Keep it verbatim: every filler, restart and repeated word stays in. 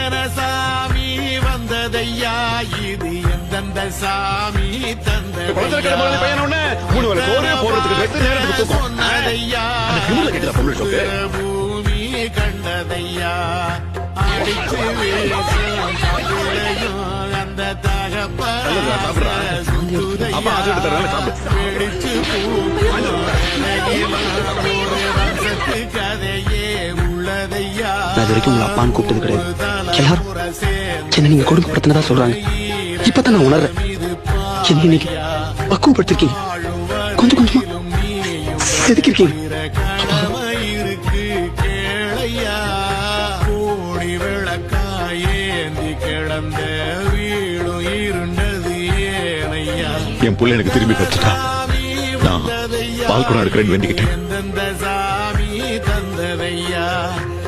சாமி வந்ததையா இது எந்தெந்த சாமி தந்த சொன்னதையா பூமி கண்டதையா அடிச்சு வீசும் அந்த தகப்படிச்சு கதையே உள்ளதையா. நான் இது வரைக்கும் உங்களை அப்பான்னு கூப்பிட்டது கிடையாது. எல்லாரும் என்ன நீங்க கொடுமைப்படுத்தினதா சொல்றாங்க. இப்பதான் நான் உணர்றேன். என்ன இன்னைக்கு பக்குவப்படுத்திருக்கீங்க. கொஞ்சம் கொஞ்சமா செதுக்கிருக்கீங்க. இருக்கு கேளையா கோடி விளக்காயேந்தி கிடந்த வீடும் இருண்டது ஏனையா. என் புள்ள எனக்கு திரும்பி கிடைச்சிட்டா நான் பால் குடம் எடுக்கிறேன்னு வேண்டிக்கிட்டேன்.